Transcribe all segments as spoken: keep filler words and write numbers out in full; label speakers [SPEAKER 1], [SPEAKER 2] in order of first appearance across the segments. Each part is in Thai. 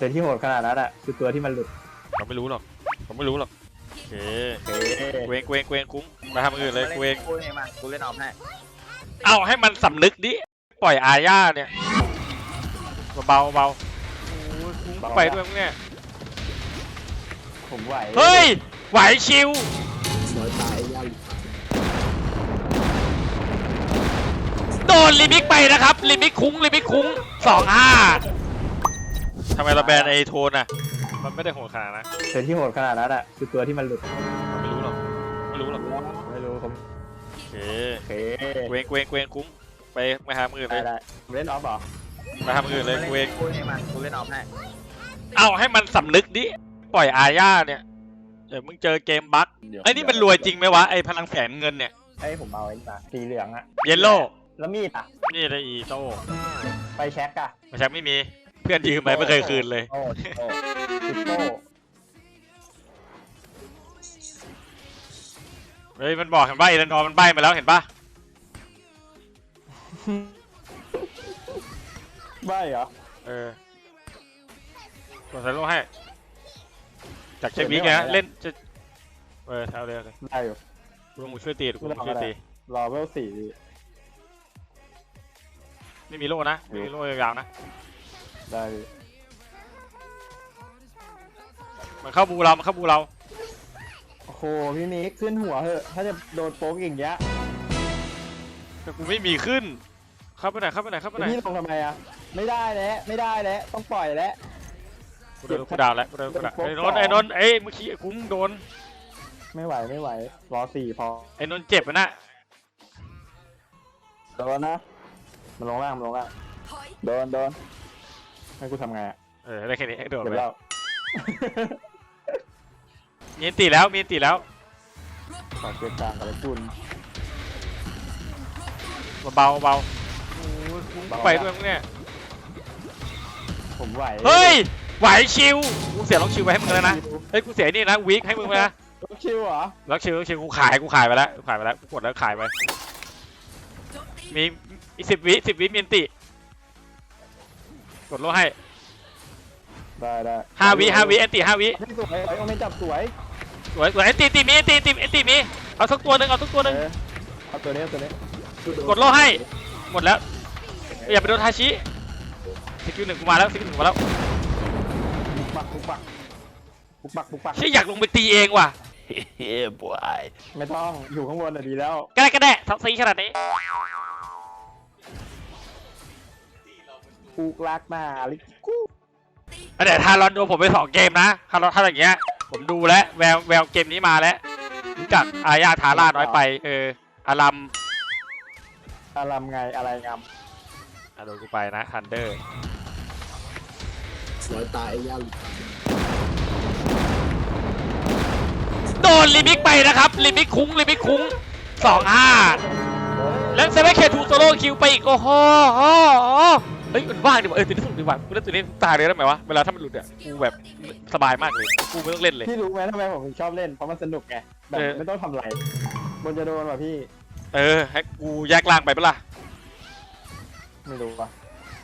[SPEAKER 1] แต่ที่โหดขนาดนั้นอ่ะคือตัวที่มันหลุด
[SPEAKER 2] เขาไม่รู้หรอกเขาไม่รู้หรอกโอเค
[SPEAKER 1] เฮ้ย
[SPEAKER 2] เวงเวงเวงคุ้มมาทำอื่นเลยเวง
[SPEAKER 3] กูเองมากูเล่นออฟให้
[SPEAKER 2] เอาให้มันสำนึกดิปล่อยอาญาเนี่ยเบาเบาคุ้มไปด้วยมึงเนี่ย
[SPEAKER 1] ผมไหว
[SPEAKER 2] เฮ้ยไหวชิว
[SPEAKER 4] น้อยตายยาว
[SPEAKER 2] โดนลิมิกไปนะครับลิมิกคุ้งลิมิกคุ้งสองห้าทำไมเราแบนไอโทนอ่ะมันไม่ได้โหดขนาดนะ
[SPEAKER 1] แต่ที่โหดขนาดนั้นอ่ะคือตัวที่มันหลุด
[SPEAKER 2] ไม่รู้หรอกไม่รู้หรอก
[SPEAKER 1] ไม่รู้ผม
[SPEAKER 2] โอเค
[SPEAKER 1] โอเค
[SPEAKER 2] เวงเวงเวงคุ้มไปมาทำอื่นเล
[SPEAKER 1] ได้
[SPEAKER 2] ย
[SPEAKER 1] ได้ผมเล่นออฟเหรอ
[SPEAKER 2] มาทำอื่นเลยเวง
[SPEAKER 3] กูเองมากูเล่นออฟให้
[SPEAKER 2] เอาให้มันสำนึกดิปล่อยอาญาเนี่ยเดี๋ยวมึงเจอเกมบั๊กไอ้นี่มันรวยจริงไหมวะไอ้พลังแสนเงินเนี่ย
[SPEAKER 1] ให้ผมเอาไอ้นี่มาสีเหลืองอ่ะ
[SPEAKER 2] เยลโล่
[SPEAKER 1] แล้วมีดอ่ะ
[SPEAKER 2] นี่ได้อีโต้
[SPEAKER 1] ไปแช็กอ่ะ
[SPEAKER 2] ไม่ใช่ไม่มีเพื่อนยืมไปไม่เคยคืนเลย
[SPEAKER 1] โอ้โอ้ติดโต้
[SPEAKER 2] เฮ้ยมันบอกเห็นป่ะเอเลนอร์มันใบ้มาแล้วเห็นป่ะ
[SPEAKER 1] ใบเหรอ
[SPEAKER 2] เออกดใส่โล่ให้จากเช็ควิกไงเล่นจะเออเอาเลยเอาเลย
[SPEAKER 1] ได้อยู่
[SPEAKER 2] กูลงมือช่วยตีกูลงมือช่วยตี
[SPEAKER 1] รอเวลสี่
[SPEAKER 2] ไม่มีโล่นะไม่มีโล่ยาวๆนะ
[SPEAKER 1] ได้อยู่
[SPEAKER 2] มันเข้าบูเรามันเข้าบูเรา
[SPEAKER 1] โอ้โหพี่มิกขึ้นหัวเหอะถ้าจะโดนโป๊กอย่างเงี้ย
[SPEAKER 2] แต่กูไม่มีขึ้นเข้าไปไหนเข้าไปไหนเข้าไปไหน
[SPEAKER 1] พี่ลงทำไมอ่ะไม่ได้แล้วไม่ได้แล้วต้องปล่อยแล้ว
[SPEAKER 2] กูโดนกูดาวแล้วกูโดนกูดาวไอ้นนท์ไอ้นนท์ไอ้เมื่อกี้คุ้มโดน
[SPEAKER 1] ไม่ไหวไม่ไหวรอสี่พอ
[SPEAKER 2] ไอ้นนท์เจ็บนะ
[SPEAKER 1] โดนนะมันลงล่างมันลงล่างโดนโดนให้กูทำไงอ่ะ
[SPEAKER 2] เออได้แค่นี้โดน
[SPEAKER 1] เดี๋ยว
[SPEAKER 2] ไป
[SPEAKER 1] เรา
[SPEAKER 2] มีอันตีแล้วมีอันตีแล้ว
[SPEAKER 1] ขอเกียร์กลางกับไอ้คุณ
[SPEAKER 2] เบาเบาโอ้ยคุ้มไปด้วยมึงเนี่ย
[SPEAKER 1] ผมไหว
[SPEAKER 2] เฮ้ยไหวชิวกูเสียล็อกชิวไปให้มึงแล้วนะเฮ้ยกูเสียนี่นะวีคให้มึงไปนะ
[SPEAKER 1] ล็อกคิวเหรอ
[SPEAKER 2] ล็อกชิวล็อกชิวกูขายกูขายไปแล้วกูขายไปแล้วกูกดแล้วขายไปมีอีกสิบวิสิบวิมีอันติกดโล่ให้
[SPEAKER 1] ได้ได้
[SPEAKER 2] ห้าวิห้าวิอันติห้าวิ
[SPEAKER 1] ไม่สวยไอ้โอเมนจับสวย
[SPEAKER 2] สวยสวยอันติอันติมีอันติอันติอันติมีเอาสักตัวหนึ่งเอาสักตัวหนึ่ง
[SPEAKER 1] เออเอาตัวนี้เอาตัวนี้
[SPEAKER 2] กดโล่ให้หมดแล้วอย่าไปโดนทาชิสกิลหนึ่งกูมาแล้วสกิลหนึ่งมาแล้ว
[SPEAKER 1] บุกปักบุกปักบุกปักบุกปัก
[SPEAKER 2] ชี่อยากลงไปตีเองว่ะ
[SPEAKER 4] เฮ้ยบวย
[SPEAKER 1] ไม่ต้องอยู่ข้างบนอ่ะดีแล้ว
[SPEAKER 2] ก็ได้ก็ได้ทักซีขนาดนี้
[SPEAKER 1] กูรักหน้าลิกู
[SPEAKER 2] เดี๋ยวทารอนโดนผมไปสองเกมนะทารอนถ้าอย่างเงี้ยผมดูแล้วแววแววเกมนี้มาแล้วรู้จักอาญาทาร่าน้อยไปเอออารัม
[SPEAKER 1] อารามไงอะไรงาม
[SPEAKER 2] อ่ะโดนกูไปนะทันเดอร์
[SPEAKER 4] น้อยตายยาว
[SPEAKER 2] โดนลิมิกไปนะครับลิมิกคุ้งลิมิกคุ้งสองห้าแล้วเซเว่นเคทูโซโล่คิวไปอีกโอ้โหเฮ้ยมันว่างดีว่ะเออตัวนี้สนุกดีว่ะกูเล่นตัวนี้ตาเลยได้ไหมวะเวลาถ้ามันหลุดอ่ะกูแบบสบายมากเลยกูไม่ต้องเล่นเลย
[SPEAKER 1] พี่รู้ไหมทำไมผมถึงชอบเล่นเพราะมันสนุกไงแบบ
[SPEAKER 2] เออ
[SPEAKER 1] ไม่ต้องทำอะไรบนจะโดนป่ะพี่
[SPEAKER 2] เออให้กูแยกล่างไปเปะล่า
[SPEAKER 1] ไม่รู้ป่ะ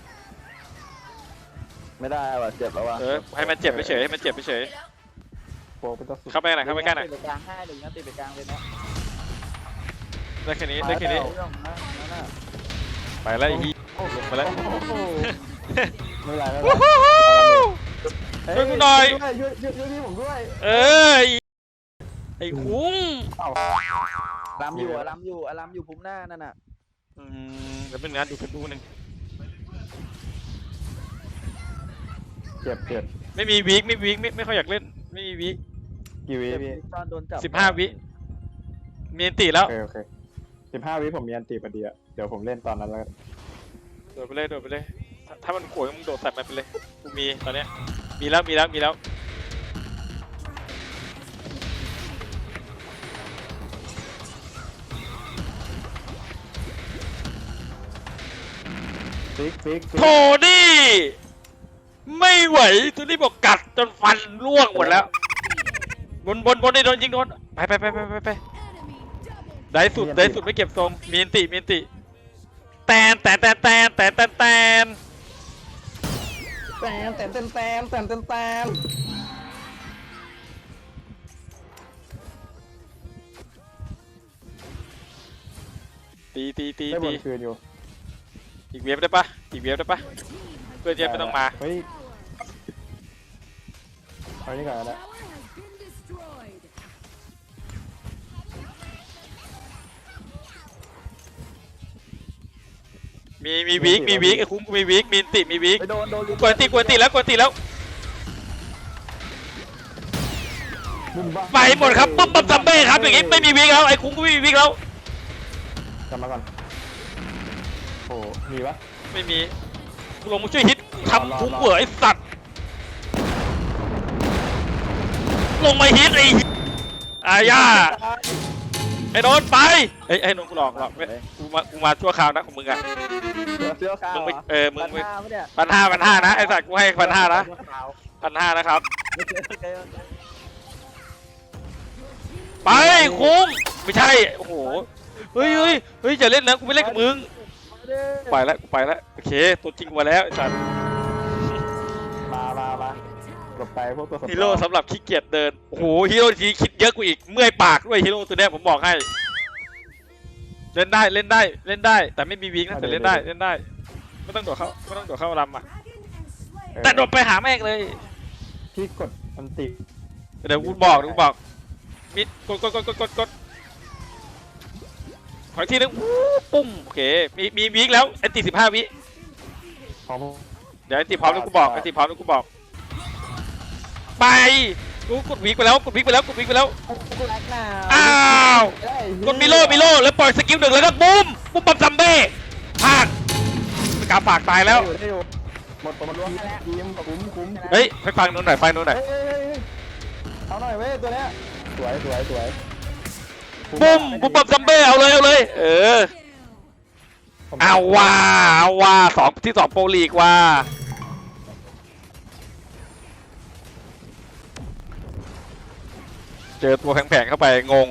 [SPEAKER 1] ไม่ได้ว่ะเจ็บแล้วว่ะ
[SPEAKER 2] เออให้มันเจ็บไปเฉยให้มันเจ็บไปเฉย
[SPEAKER 1] โป๊กเป็นตัวสุด
[SPEAKER 2] เข้าไปหน่อยเข้าไปใกล้หน่อย
[SPEAKER 3] ติดไปกลางให้หรืองั้นติดไปกลางเลยนะ
[SPEAKER 2] ได้แค่นี้ได้แค่นี้
[SPEAKER 3] เรื่องนะนั่นน่ะ
[SPEAKER 2] ไปแล้วอีลงไปแล้ว
[SPEAKER 1] โอ้โหไม่เป็นไรไม่เป็น
[SPEAKER 2] วู้
[SPEAKER 1] ไร
[SPEAKER 2] ฮู้
[SPEAKER 1] เฮ้
[SPEAKER 2] ช่วยกูหน่อย
[SPEAKER 1] ช่วยช่วยช่วยช่วยพี่ผมด้วย
[SPEAKER 2] เออไอ้ไอ้คุ้ง
[SPEAKER 1] เอ้า
[SPEAKER 3] ลำอยู่อะลำอยู่อะลำอยู่พุ่มหน้านั่นน่ะ
[SPEAKER 2] อืมเดี๋ยวเป็นงานดูเฟซบุ๊กนึง
[SPEAKER 1] เจ็บเจ็บ
[SPEAKER 2] ไม่มีวีคไม่วีคไม่ไม่ค่อยอยากเล่นไม่มีวีค
[SPEAKER 1] กี่วิพี่
[SPEAKER 3] ตอนโดนจับ
[SPEAKER 2] สิบห้าวิมีอันติแล้ว
[SPEAKER 1] โอเคโอเคสิบห้าวิผมมีอันตีพอดีอะเดี๋ยวผมเล่นตอนนั้นแล้วกัน
[SPEAKER 2] โดดไปเลยโดดไปเลยถ้าถ้ามันโขยมึงโดดใส่มันไปเลยกูมีตอนเนี้ยมีแล้วมีแล้วมีแล้ว
[SPEAKER 1] ฟิกฟิกฟิก
[SPEAKER 2] โทนี่ไม่ไหวตัวนี้บอกกัดจนฟันร่วงหมดแล้วบนบนบนนี่โดนยิงโดนไปไปไปไปไปไปได้สุดได้สุดไม่เก็บทรงมีอันติมีอันติแตนแตนแตนแตนแตนแตนแตน
[SPEAKER 1] แตมแตมแตมแตมแตมแตมแตม
[SPEAKER 2] ตีตีตี
[SPEAKER 1] ได้บ
[SPEAKER 2] ตี
[SPEAKER 1] นคืนอยู่
[SPEAKER 2] อีกเวฟได้ปะอีกเวฟได้ปะเพื่อนเจมไม่ต้องมา
[SPEAKER 1] เฮ้ยเอานี่ก่อนนะ
[SPEAKER 2] มีมีวีคมีวีคไอ้คุ้มกูมีวีคมีติมีวีค
[SPEAKER 3] ไปโดนโดน
[SPEAKER 2] กวนติกวนติแล้วกวนติแล้วไปหมดครับปุ๊บปั๊บซัมเบ้ครับอย่างงี้ไม่มีวีคแล้วไอ้คุ้มกูไม่มีวีคแล้ว
[SPEAKER 1] กลับมาก่อนโอ้มีปะ
[SPEAKER 2] ไม่มีกูลงมาช่วยฮิตทำคุ้มเหวอไอ้สัตว์ลงมาฮิตไอ้อาญาไอ้โดนไปไอ้ไอ้นนกูหลอกหลอกไม่กูมากูมาชั่วคราวนะของมึงอะ
[SPEAKER 3] เสื้อขาว
[SPEAKER 2] มึงไม่เออมึง
[SPEAKER 3] ปัญ
[SPEAKER 2] ไม่
[SPEAKER 3] หาไม่เนี่ย
[SPEAKER 2] พันห้าพันห้านะไอ้สัตว์กูให้พันห้านะพันห้านะครับ ไปคุ้มไม่ใช่โอ้โหเฮ้ยเฮ้ยเฮ้ยอย่าเล่นนะกูไม่เล่นกับมึงไปแล้วกูไปแล้วโอเคตัวจริงมาแล้วไอ้สัตว์
[SPEAKER 1] มามามาหลบไปพวกตัวสำรอง
[SPEAKER 2] ฮีโร่สำหรับขี้เกียจเดินโอ้โหฮีโร่ทีคิดเยอะกูอีกเมื่อยปากด้วยฮีโร่ตัวเนี้ยผมบอกให้เล่นได้เล่นได้เล่นได้แต่ไม่มีวิงนะแต่เล่นได้เล่นได้ไม่ต้องโดดเข้าไม่ต้องโดดเข้าลำอ่ะ
[SPEAKER 1] เออ
[SPEAKER 2] แต่โดดไปหาแม่งเลย
[SPEAKER 1] พี่กดอันติ
[SPEAKER 2] เดี๋ยวกูบอกเดี๋ยวกูบอกมิดกดกดกดกดกดกดขออีกทีนึงวู้ปุ้มโอเคมีมีวิงแล้วแอนตี้สิบห้าวิ
[SPEAKER 1] พร้อม
[SPEAKER 2] เดี๋ยวแอนตี้พร้อมแล้วกูบอกแอนตี้พร้อมแล้วกูบอกไปกูกดวิงไปแล้วกดวิงไปแล้วกดวิงไปแล้ว
[SPEAKER 1] แรงหนา
[SPEAKER 2] อ้าวกดมิโลมิโลแล้วปล่อยสกิลหนึ่งแล้วก็บูมบูมปั๊มซัมเบ้พลาดสกาฝากตายแล้ว
[SPEAKER 1] ได้อยู่หมดตัวมันรวมทีมคุ้มคุ้ม
[SPEAKER 2] เฮ้ยไปฟังนู้นหน่อยฟังนู้นหน่อย
[SPEAKER 1] เฮ้ยเอาหน่อยเว้ยตัวเนี้ยสวยสวยสวย
[SPEAKER 2] บูมบูมปั๊มซัมเบ้เอาเลยเอาเลยเออเอาว่าเอาว่าสองที่สองโปรลีกว่าเจอตัวแผงๆเข้าไปงง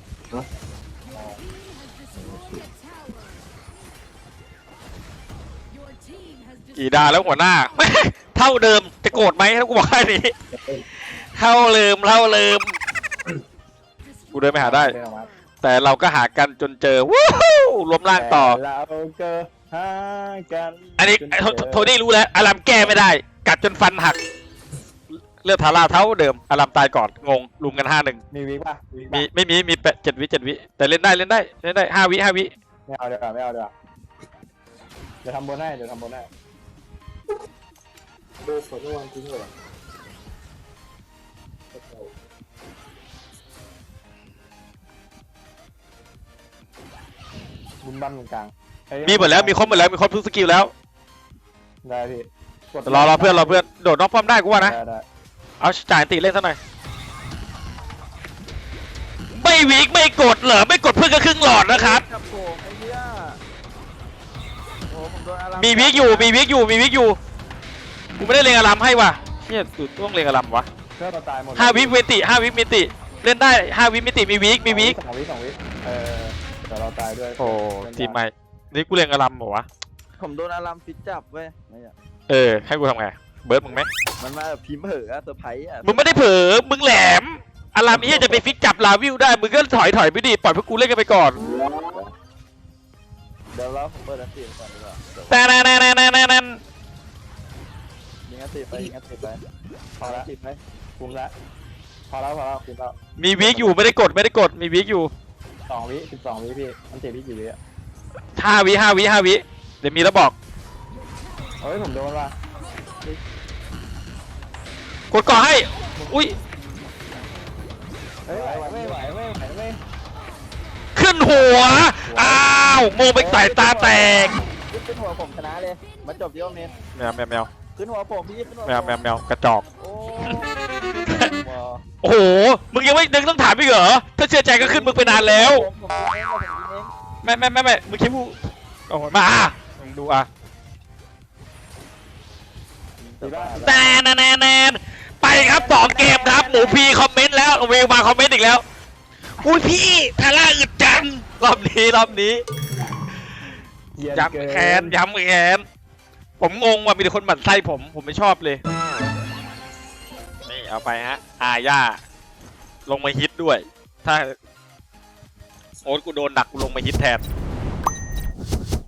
[SPEAKER 2] กี่ดาแล้วหัวหน้า เท่าเดิมจะโกรธไหมถ้ากูบอกแค่นี้เท่าเดิมเท่าเดิมกูเดินไปหาได้ แต่เราก็หากันจนเจอวู้ฮู้รวมร่างต่อ
[SPEAKER 1] เราเจอหากัน
[SPEAKER 2] อันนี้โทนี่รู้แล้วอารามแก้ไม่ได้ กัดจนฟันหัก เลือดทาราเท่าเดิมอารามตายก่อนงงลุมกันห้าหนึ่ง
[SPEAKER 1] มีวิป่ะ
[SPEAKER 2] มีไม่มีมีแปดเจ็ดวิเจ็ดวิแต่เล่นได้เล่นได้เล่นได้ห้าวิห้าวิ
[SPEAKER 1] ไม่เอาเดี๋ยวไม่เอาเดี๋ยวเดี๋ยวทำบนให้เดี๋ยวทำบนให้
[SPEAKER 4] ดูฝนวันทิ้งเลย
[SPEAKER 1] บุญบั้นตรงกลาง
[SPEAKER 2] มีหมดแล้วมีครบหมดแล้วมีครบทุกสกิลแล้ว
[SPEAKER 1] ได้พี่
[SPEAKER 2] รอรอเพื่อนรอเพื่อนโดดนอกป้อมได้กูว่านะ
[SPEAKER 1] ได้ได้
[SPEAKER 2] เอาจ่ายตีเล่นซะหน่อยไม่วิกไม่กดเหรอไม่กดเพื่อนก็ครึ่งหลอดนะครับ
[SPEAKER 3] กับโผล่ไอ้เหี้ยโอ้ผมโดนอาราม
[SPEAKER 2] มีวิกอยู่มีวิกอยู่มีวิกอยู่กูไม่ได้เลงอารามให้ว่ะเชี่ยตูต้องเลงอารามวะ
[SPEAKER 1] เพื่อนเราตายหมด
[SPEAKER 2] ห้าวิเวติห้าวิมิติเล่นได้ห้าวิมิติมีวิกมีวิก
[SPEAKER 1] สองวิสองวิเออแต่เราตายด้วย
[SPEAKER 2] โอ้ทีมใหม่นี่กูเลงอารามเหรอวะ
[SPEAKER 3] ผมโดนอารามฟิตจับเว้ยไม่อะ
[SPEAKER 2] เออให้กูทำไงเบิร์ดมึงไหม
[SPEAKER 3] มันมาแบบพิมพ์เผลออะเซอร์ไพรส์อะ
[SPEAKER 2] มึงไม่ได้เผลอมึงแหลมอารามนี้จะไปฟิกจับลาวิวได้มึงก็ถอยถอยไปดิปล่อยพวกกูเล่นกันไปก่อน
[SPEAKER 3] เดี๋ยวเราผมเปิดอันตีก่อนดีกว่าเดี๋ยว
[SPEAKER 2] แต่แน่แน่แน่แน่แน่แน่
[SPEAKER 3] ยิงอันตีไปยิงอันตีไป
[SPEAKER 1] พอละติดไหมคุ้มละพอแล้วพอแล้วคุ้มแล้ว
[SPEAKER 2] มีวิกอยู่ไม่ได้กดไม่ได้กดมีวิกอยู่
[SPEAKER 1] สองวิสิบสองวิพี่มันเจ็บพี่กี่วิอ่ะ
[SPEAKER 2] ห้าวิห้าวิห้าวิเดี๋ยวมีแล้วบอก
[SPEAKER 1] เฮ้ยผมโดนว่ะ
[SPEAKER 2] กดก่อให้อุ้ย
[SPEAKER 1] เฮ้ยไหวไม่ไหวไม่ไหวไม่
[SPEAKER 2] ขึ้นหัวอ้าวโมงไปสายตาแตก
[SPEAKER 3] ขึ้นหัวผมชนะเลยมาจบที่โอเมน
[SPEAKER 2] แมวแมวแมว
[SPEAKER 3] ขึ้นหัวผมพี่ขึ้นหัว
[SPEAKER 2] แมวแมวแมวกระจอก
[SPEAKER 3] โอ้
[SPEAKER 2] โอ้โหมึงยังไม่นึกต้องถามอีกเหรอถ้าเชื่อใจก็ขึ้นมึงไปนานแล้ว
[SPEAKER 3] ผมผมเองผมเอง
[SPEAKER 2] ไม่ไม่ไม่ไม่มึงคิดว่าโอ้โหมาอ่ะมึงดูอ่ะ
[SPEAKER 1] ตีบ้า
[SPEAKER 2] แนนแนนแนนไปครับสองเกมครับหมูพีคอมเมนต์แล้วเวลมาคอมเมนต์อีกแล้วอุ้ยพี่ทาร่าอึดจังรอบนี้รอบนี้ย้ำแขนย้ำแขนผมงงว่ามีแต่คนหมั่นไส้ผมผมไม่ชอบเลยนี่เอาไปฮะอาญาลงมาฮิตด้วยถ้าโอ๊ตกูโดนดักกูลงมาฮิตแทน